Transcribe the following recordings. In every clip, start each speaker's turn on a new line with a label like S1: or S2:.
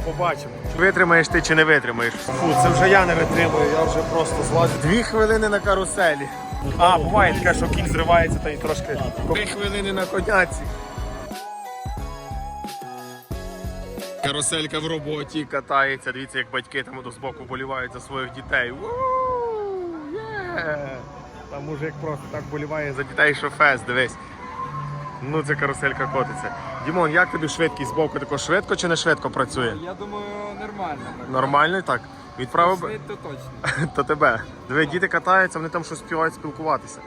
S1: побачимо. Витримаєш ти чи не витримаєш. Фу, це вже я не витримую, я вже просто злазю. 2 хвилини на каруселі. А, буває таке, що кінь зривається та й трошки. 2 хвилини на коняці. Каруселька в роботі катається. Дивіться, як батьки там до збоку болівають за своїх дітей. Там мужик просто так боліває за дітей, що фест, дивись. Ну, це каруселька котиться. Дімон, як тобі швидкість збоку? Тако швидко чи не швидко працює?
S2: Я думаю, нормально.
S1: Нормально так? Відправив би?
S2: Швидко точно.
S1: То тебе. Диви, діти катаються, вони там щось співають спілкуватися.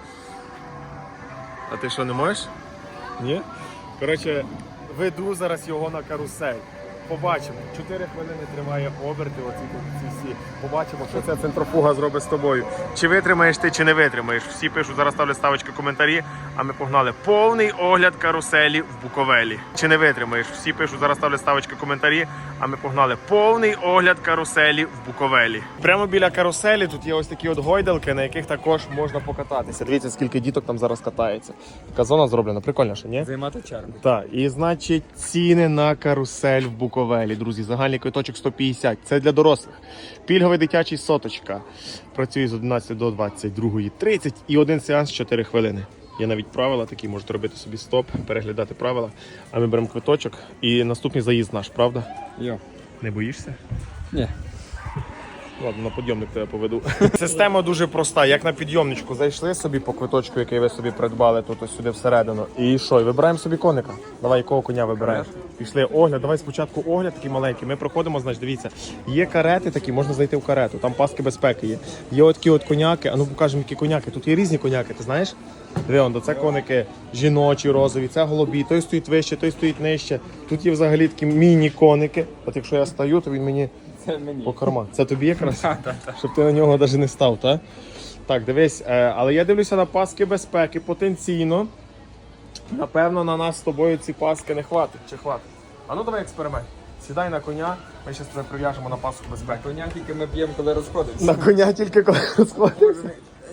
S1: А ти що, не можеш? Ні? Коротше, веду зараз його на карусель. Побачимо. 4 хвилини тримає оберти, оці всі. Побачимо, що ця центрофуга зробить з тобою. Чи витримаєш ти, чи не витримаєш. Всі пишуть, зараз ставлю ставочки, коментарі, а ми погнали. Повний огляд каруселі в Буковелі. Чи не витримаєш. Всі пишуть, зараз ставлю ставочки, коментарі, а ми погнали. Повний огляд каруселі в Буковелі. Прямо біля каруселі тут є ось такі от гойдалки, на яких також можна покататися. Дивіться, скільки діток там зараз катається. Така зона зроблена, прикольно, що ні?
S2: Займати чергу.
S1: Так, і значить ціни на карусель в Буковелі, друзі. Загальний квиточок 150. Це для дорослих. Пільговий дитячий соточка. Працює з 11 до 22:30 і один сеанс 4 хвилини. Є навіть правила такі, можете робити собі стоп, переглядати правила. А ми беремо квиточок і наступний заїзд наш, правда?
S2: Йо.
S1: Не боїшся?
S2: Ні.
S1: Ладно, на підйомник тебе поведу. Система дуже проста. Як на підйомничку зайшли собі по квиточку, який ви собі придбали тут ось сюди всередину. І що? І вибираємо собі коника. Давай, якого коня вибираєш? Пішли огляд. Давай спочатку огляд такий маленький. Ми проходимо, значить, дивіться. Є карети такі, можна зайти в карету. Там паски безпеки є. Є от такі от коняки. А ну покажемо, які коняки. Тут є різні коняки, ти знаєш? Диви, це коники жіночі, розові, це голубі. Той стоїть вище, той стоїть нижче. Тут є взагалі такі міні-коники. От якщо я стою, то він мені...
S2: Це мені.
S1: По карман. Це тобі якраз? Щоб ти на нього навіть не став, так? Так, дивись, але я дивлюся на паски безпеки. Потенційно, напевно, на нас з тобою ці паски не хватить. Чи хватить? А ну давай експеримент. Сідай на коня, ми зараз тебе прив'яжемо на паску безпеки.
S2: Коня тільки ми б'ємо, коли розходимося.
S1: На коня тільки коли розходимося.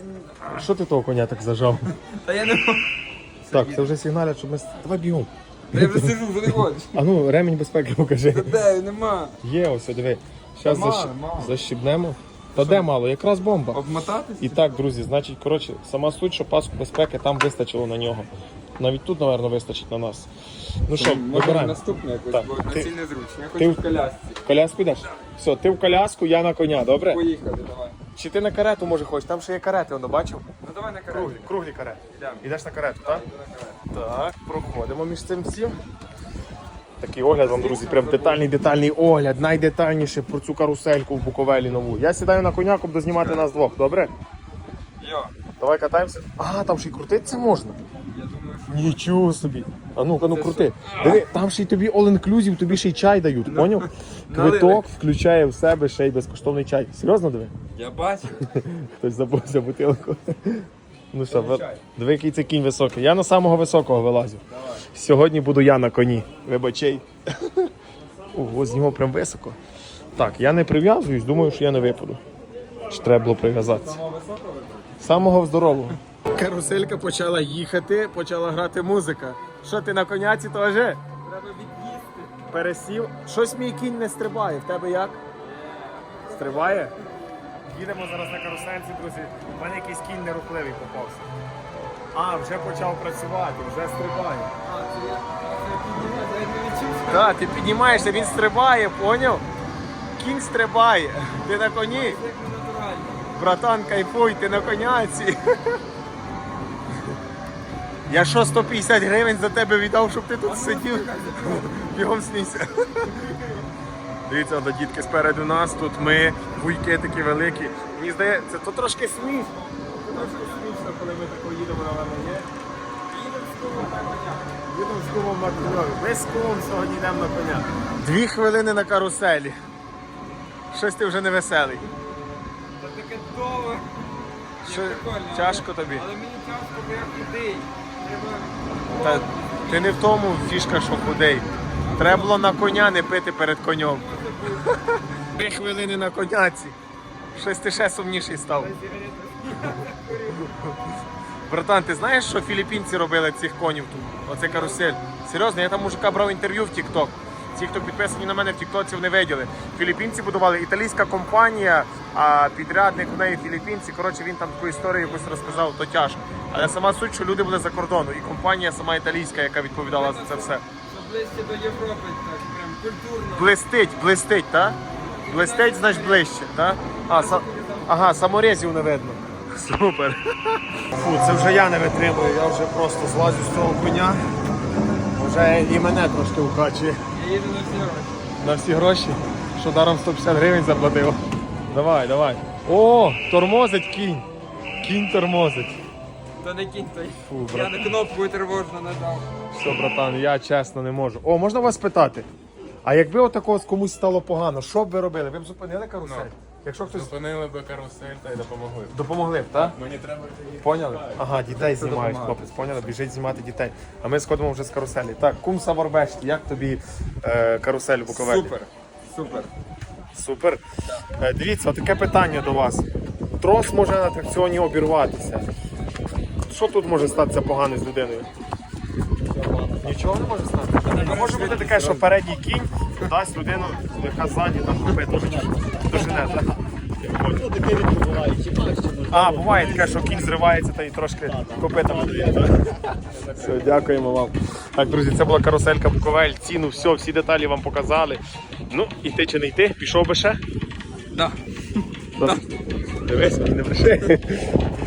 S1: Що ти того коня так зажав?
S2: Та я не можу.
S1: Так, це вже сигналять, щоб ми... Давай бігом.
S2: Та я вже сижу, вже не хочеш.
S1: А ну, ремінь безпеки покажи.
S2: Та де, нема.
S1: Є, ось, диви. Зараз
S2: Мало.
S1: защібнемо. Та де мало? Якраз бомба.
S2: Обмотатись?
S1: І так, друзі, значить, коротше, сама суть, що паску безпеки там вистачило на нього. Навіть тут, мабуть, вистачить на нас. Ну що,
S2: Може
S1: вибираємо.
S2: наступне якось,
S1: Так.
S2: бо на цій незручно. Я
S1: ти
S2: хочу в колясці.
S1: В коляску йдеш? Все, ти в коляску, я на коня, добре?
S2: Поїхали, давай.
S1: Чи ти на карету, може, хочеш? Там ще є карети, воно бачив?
S2: Ну давай на карету.
S1: Круглі карети.
S2: Йдемо.
S1: Йдеш на карету, так?
S2: Йду на карету.
S1: Так, проходимо між цим всім. Такий огляд вам, друзі, прям детальний огляд, найдетальніше про цю карусельку в Буковелі нову. Я сідаю на коня, буду знімати нас двох, добре?
S2: Йо.
S1: Давай катаємося. А, там ще й крутитися можна.
S2: Я думаю, що...
S1: Нічого собі. А ну-ка, ну крути. Диви, там ще й тобі all-inclusive, тобі ще й чай дають, поняв? Квиток включає в себе ще й безкоштовний чай. Серйозно диви?
S2: Я бачу.
S1: Хтось забувся бутилку. Ну що,
S2: чай.
S1: диви, який це кінь високий. Я на самого високого вилазю.
S2: Давай.
S1: Сьогодні буду я на коні. Вибачай. Ого, з нього прям високо. Так, я не прив'язуюсь, думаю, що я не випаду. Чи треба було прив'язатися?
S2: Самого високого вибрати?
S1: Самого здорового. Каруселька почала їхати, почала грати музика. Що, ти на коняці теж?
S2: Треба від'їсти.
S1: Пересів. Щось мій кінь не стрибає. В тебе як? Стрибає? Їдемо зараз на карусельці, друзі. У мене якийсь кінь нерухливий попався. А, вже почав працювати, вже стрибає.
S2: А, це я піднімаю, я не відчувся.
S1: Так, ти піднімаєшся, він стрибає, поняв? Кінь стрибає. Ти на коні.
S2: Як не натурально.
S1: Братан, кайфуй, ти на коняці. Я що, 150 гривень за тебе віддав, щоб ти тут сидів? Бігом смійся. Дивіться, до дітки спереду нас, тут ми, вуйки такі великі. Мені здається, це трошки смішно. Трошки смішно, коли ми тако їдемо на ВМЄ.
S2: Їдемо з кумом на коня.
S1: Їдемо з кумом на коні. Ми з кумом сьогодні йдемо на коня. 2 хвилини на каруселі. Щось ти вже не веселий.
S2: Та таке довго.
S1: Що,
S2: Прикольно.
S1: тяжко тобі?
S2: Але мені тяжко, бо я худий.
S1: Та ти не в тому фішка, що худий. Треба було на коня не пити перед конем. 3 хвилини на коняці. Щось ти ще сумніший став. Братан, ти знаєш, що філіппінці робили цих конів тут? Оце карусель. Серйозно, я там мужика брав інтерв'ю в TikTok. Ті, хто підписані на мене в Тіктоці, вони виділи. Філіппінці будували, італійська компанія, а підрядник у неї філіппінці. Коротше, він там таку історію якусь розказав, то тяжко. Але сама суть, що люди були за кордону, і компанія сама італійська, яка відповідала за це все.
S2: Щоб ближче до Європи, так, прям культурно.
S1: Блистить, так? Блистить, значить ближче, так? Ага, саморезів не видно. Супер. Фу, це вже я не витримую, я вже просто злазю з цього коня. Вже і мене трошки укачує.
S2: Я їду на всі гроші.
S1: На всі гроші, що даром 150 гривень заплатив. Давай. О, тормозить кінь. Кінь тормозить.
S2: То не кінь той.
S1: Фу,
S2: Я
S1: брат.
S2: на кнопку тривожно нажав.
S1: Все, братан, я чесно не можу. О, можна вас питати? А якби отакого комусь стало погано, що б ви робили? Ви б зупинили карусель? Якщо хтось
S3: Зупинили би карусель та й допомогли.
S1: допомогли б, так?
S3: Мені треба
S1: Поняли? Ага, дітей знімають, хлопець, поняли? Біжить знімати дітей. А ми сходимо вже з каруселі. Так, кум Саварбешті, як тобі карусель в Буковелі?
S2: Супер.
S1: Супер. Дивіться, таке питання до вас. Трос може на атракціоні обірватися. Що тут може статися погано з людиною? Нічого не може стати. Може бути таке, що передній кінь дасть людину, яка ззаді там копитом дожене, так? А, буває таке, що кінь зривається та й трошки копитом дає. Все, дякуємо вам. Так, друзі, це була каруселька Буковель, ціну, все, всі деталі вам показали. Ну, іти чи не йти, пішов би ще?
S2: Да.
S1: Дивись, мені не бреши.